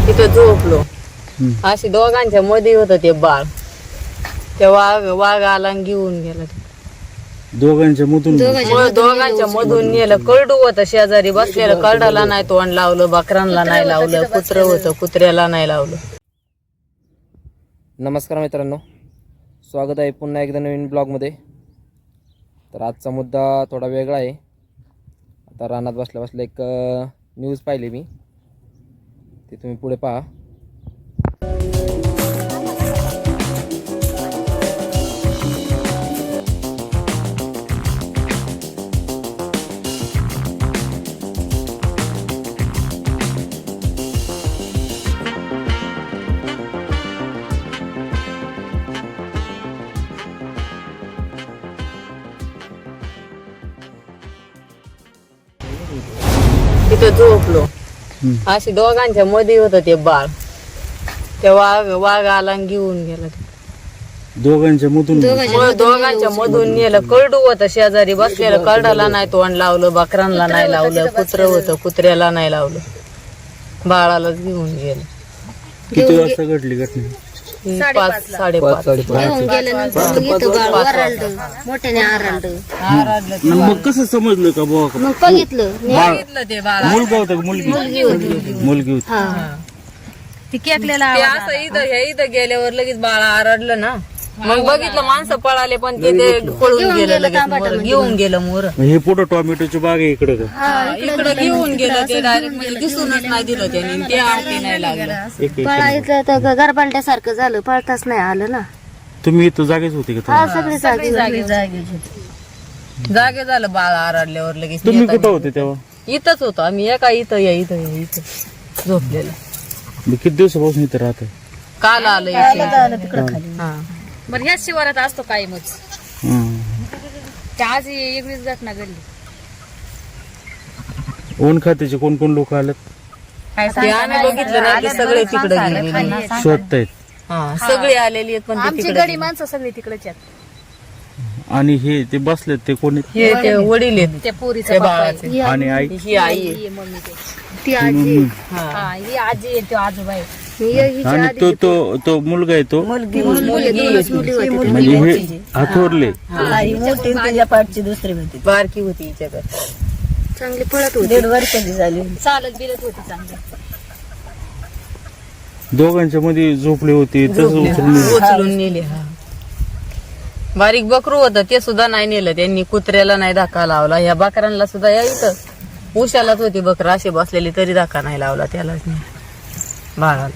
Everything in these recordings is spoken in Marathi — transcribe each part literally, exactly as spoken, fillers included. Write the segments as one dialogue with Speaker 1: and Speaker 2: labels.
Speaker 1: तिथं झोपलो. अशी दोघांच्या मध्ये होतं ते बाळ. ते वाघ वाघ आला आणि घेऊन गेला.
Speaker 2: दोघांच्या मधून
Speaker 1: मग दोघांच्या मधून नेलं. करडू होतं शेजारी बसलेलं. करडाला नाही तोंड लावलं, बकरांना नाही लावलं, कुत्र होतं कुत्र्याला नाही लावलं.
Speaker 3: नमस्कार मित्रांनो, स्वागत आहे पुन्हा एकदा नवीन ब्लॉगमध्ये. तर आजचा मुद्दा थोडा वेगळा आहे. आता रानात बसल्या बसल्या एक न्यूज पाहिली मी, ते तुम्ही पुढे पहा.
Speaker 1: तिथं झोपलो. अशी दोघांच्या मध्ये होतं ते बाळ. ते वाघ वाघ आला आणि घेऊन गेला.
Speaker 2: दोघांच्या मधून
Speaker 1: मग दोघांच्या मधून नेलं. करडू होतं शेजारी बसलेलं. करडाला नाही तोंड लावलं, बकरांना नाही लावलं, कुत्र होतं कुत्र्याला नाही लावलं, बाळालाच घेऊन गेलं.
Speaker 2: किती वाजता घडली घटना?
Speaker 1: पाच साडेपाच
Speaker 2: मग कसं समजलं का बुवा
Speaker 4: मग बघितलं
Speaker 1: बघितलं ते बाळ.
Speaker 2: मुलगा होता का मुलगी? मुलगी होती.
Speaker 4: ती केकलेला
Speaker 1: ते असं इथं हे इथं गेल्यावर लगेच बाळ आरडलं ना. मग बघितलं माणसं पळाले, पण ते ते पळून गेलं लगेच. मोर घेऊन गेलं मोर.
Speaker 2: हे पुढं टोमॅटोची बाग आहे इकडे का?
Speaker 1: इकडे घेऊन गेलं ते डायरेक्ट. म्हणजे दिसूनच नाही दिलं त्याने. ते आरती नाही लागलं.
Speaker 2: एक एक
Speaker 4: पळायचं तर गरबालट्यासारखं झालं, पळताच नाही आलं ना.
Speaker 2: तुम्ही इथं जागेच होते का?
Speaker 4: हा सगळी जागी
Speaker 1: जागे जागे झालं बाळ आरडल्यावर लगेच.
Speaker 2: तुम्ही कुठं होते तेव्हा?
Speaker 1: इथंच होतो आम्ही. एका इथं या इथं या इथं झोपलेलं.
Speaker 2: मी किती दिवसापासून इथं राहते?
Speaker 1: काल आलं इथे. हा.
Speaker 5: बरं ह्याच शिवारात असतो कायमच.
Speaker 2: हं.
Speaker 5: त्या आज वेगळीच घटना घडली.
Speaker 2: वन खात्याचे कोण कोण लोक आलेत?
Speaker 1: ते आम्ही बघितलं नाही. ते सगळे तिकडे गेले.
Speaker 2: शोधतायत.
Speaker 1: हा सगळे आलेली आहेत, पण ते
Speaker 5: आमची
Speaker 1: तिकडे
Speaker 5: गडी माणसं सगळी तिकडेच आहेत.
Speaker 2: आणि हे ते बसलेत ते कोणी?
Speaker 1: हे ते वडील आहेत
Speaker 5: त्या पोरीचं
Speaker 1: त्या
Speaker 5: बाप आहे.
Speaker 1: बाळाचे.
Speaker 2: आणि आई?
Speaker 1: ही आई आहे.
Speaker 5: ही मम्मी ते.
Speaker 4: ती आजी
Speaker 1: हा.
Speaker 5: हा ही आजी आहे, तो आजोबा आहे.
Speaker 2: आणि तो तो तो मुलगा आहे तो
Speaker 1: मुलगी मुलगी होती.
Speaker 2: म्हणजे हे हातोरले.
Speaker 1: मोठी त्याच्या पाठची दुसरी होती. बारकी होती हिच्याकडे.
Speaker 4: चांगली पळत होती.
Speaker 1: दीड वर्षाची झाली.
Speaker 5: चालत बिलत होती चांगली.
Speaker 2: दोघांच्या मध्ये झोपले होते तसं उचलून
Speaker 1: उचलून नेले. हा बारीक बकरू होतं ते सुद्धा नाही नेलं त्यांनी. कुत्र्याला नाही धक्का लावला. ह्या बकरांना सुद्धा या इथं उशालाच होती बकर अशी बसलेली, तरी धक्का नाही लावला त्यालाच नाही बाळाला.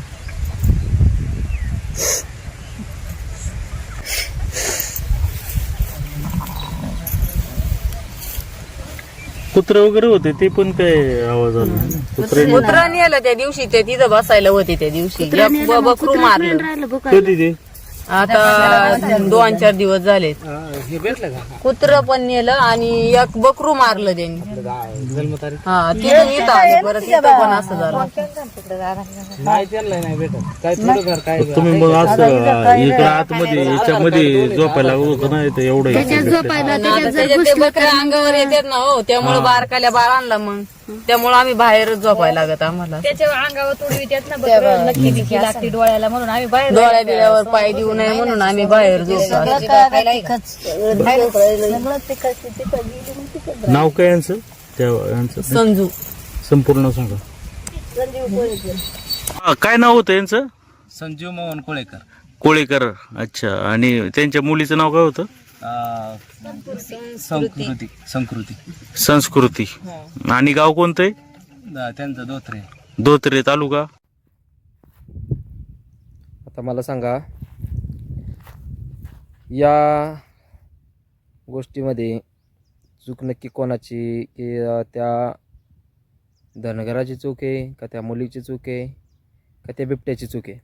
Speaker 2: कुत्रे वगैरे होते ते पण काय आवाज आला? कुत्रे
Speaker 1: कुत्रा नेलं त्या दिवशी. ते तिथं बसायला होते त्या दिवशी. एक बकरू मारलं.
Speaker 4: राहिलं बघा.
Speaker 2: कधी ते?
Speaker 1: आता दोन चार दिवस झाले. कुत्र पण नेलं आणि एक बकरू मारलं त्यांनी. हा तिथून इथं आले परत. इथं पण असं झालं.
Speaker 2: तुम्ही मग असं इकडं आतमध्ये याच्यामध्ये झोपायला होतं ना इथं एवढं
Speaker 4: त्याच्यात झोपायला
Speaker 1: आणि
Speaker 4: त्याच्यात
Speaker 1: आता
Speaker 4: जर
Speaker 1: त्याच्यात ते बकऱ्या अंगावर येतात ना हो, त्यामुळे बारकाल्या बाळांना मग त्यामुळे आम्ही बाहेरच झोपायला लागत आम्हाला.
Speaker 5: त्याच्या अंगावर तुडवी त्यात ना बरं नक्की दिकी लागते डोळ्याला, म्हणून आम्ही बाहेर
Speaker 1: डोळ्या बिळ्यावर पाय देऊ नये म्हणून आम्ही बाहेर झोपतो.
Speaker 2: नाव काय यांचं? त्या यांचं
Speaker 1: संजू
Speaker 2: संपूर्ण सांगा. हा, काय नाव होतं यांचं?
Speaker 6: संजीव मोहन कोळेकर.
Speaker 2: कोळेकर. अच्छा. आणि त्यांच्या मुलीचं नाव काय होतं?
Speaker 6: अं, संस्कृती संस्कृती
Speaker 2: संस्कृती. आणि गाव कोणतं आहे?
Speaker 6: द- त्यांचं दोत्रे.
Speaker 2: धोत्रे तालुका.
Speaker 3: आता मला सांगा, या गोष्टीमध्ये चूक नक्की कोणाची? की अं, त्या धनगराची चूक आहे का त्या मुलीची चूक आहे का त्या बिबट्याची चूक आहे?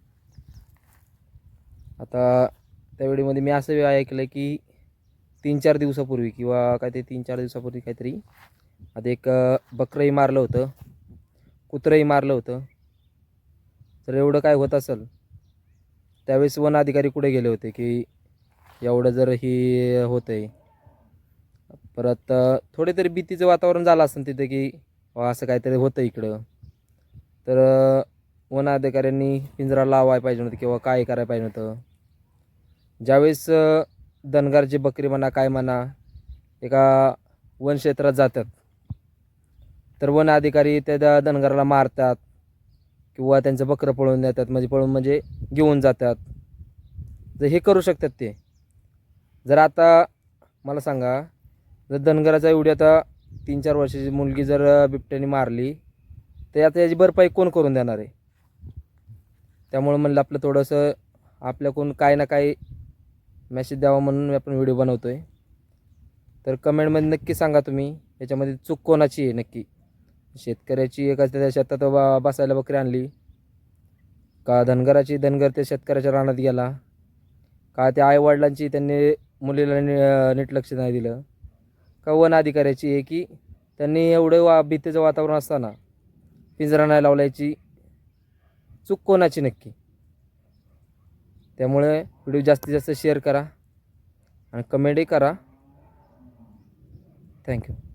Speaker 3: आता त्या वेळेमध्ये मी असं ऐकलं की तीन चार दिवसापूर्वी किंवा काय ते तीन चार दिवसापूर्वी काहीतरी आता एक बकरंही मारलं होतं, कुत्रंही मारलं होतं. तर एवढं काय होत असेल त्यावेळेस वन अधिकारी कुठे गेले होते की एवढं जर ही होतं आहे. परत थोडे तरी भीतीचं वातावरण झालं असेल तिथे की असं काहीतरी होतं इकडं. तर वन वन अधिकाऱ्यांनी पिंजरा लावायला पाहिजे नव्हतं किंवा काय करायला पाहिजे नव्हतं. ज्यावेळेस अ, धनगरची बकरी म्हणा काय म्हणा एका वनक्षेत्रात जातात तर वन अधिकारी त्या धनगराला मारतात किंवा त्यांचं बकरं पळवून देतात, म्हणजे पळून म्हणजे घेऊन जातात. जर हे करू शकतात ते, जर आता मला सांगा, जर धनगराचा एवढी आता तीन चार वर्षाची मुलगी जर बिबट्याने मारली तर आता याची भरपाई कोण करून देणार आहे? त्यामुळे म्हणलं आपलं थोडंसं आपल्याकडून काय ना काय मेसेज द्यावा म्हणून आपण व्हिडिओ बनवतो आहे. तर कमेंटमध्ये नक्की सांगा तुम्ही याच्यामध्ये चूक कोणाची आहे नक्की. शेतकऱ्याची एका त्या शेतात बा बसायला बकरी आणली का धनगराची, धनगर त्या शेतकऱ्याच्या रानात गेला का, त्या आईवडिलांची त्यांनी मुलीला नि नीट लक्ष नाही दिलं का, वन अधिकाऱ्याची आहे की त्यांनी एवढं वा भीतीचं वातावरण असताना पिंजरा नाही लावल्याची चूक कोणाची नक्की. त्यामुळे व्हिडिओ जास्तीत जास्त शेअर करा आणि कमेंटही करा. थँक्यू.